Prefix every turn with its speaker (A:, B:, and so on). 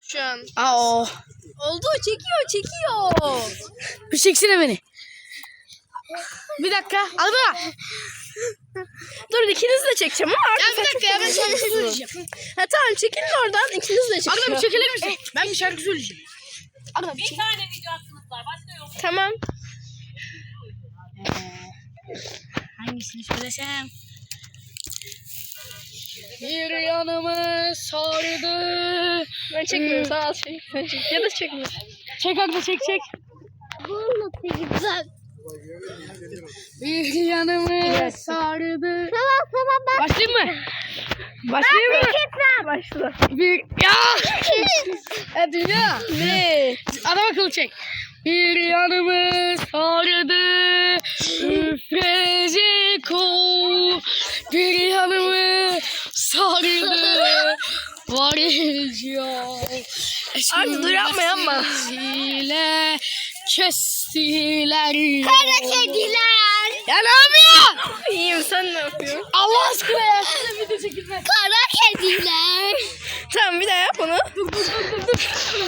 A: şu an.
B: Aa,
A: Oldu, çekiyor.
B: bir çeksene beni. Bir dakika. Alma.
A: Dur ikiniz de çekeceğim ama
B: Ya bir dakika ya ben şarkı söyleyeceğim.
A: Ha tamam çekilin oradan ikiniz de çekin.
B: Arda bir çekilir misin? Ben bir şarkı söyleyeceğim. Arda bir
C: Bir
B: çek.
C: tane video hakkınız var. Başka yok.
A: Tamam.
B: Hangisini söylesem? Bir yanımı sardı.
A: Ben çekmiyorum sağ ol çek. Sen çek. Ya da çekme.
B: Çek Arda çek. Bir yanımı sardı.
A: Tamam.
B: Başlayayım mı? Başlayayım mı?
A: Başla.
B: Bir ya. Hadi ya.
A: Ne?
B: Adam akıllı çek. Bir yanımı sardı. Üfrecek ol. Bir yanımı sardı. Varacağım.
A: Arda dur yapma.
B: Ile kestiler.
A: Kara kediler.
B: Ya ne yapıyorsun?
A: İyiyim sen ne yapıyorsun?
B: Allah aşkına ya. Size video çekilmez.
A: Kara kediler. Tamam bir daha yap onu.
B: Dur.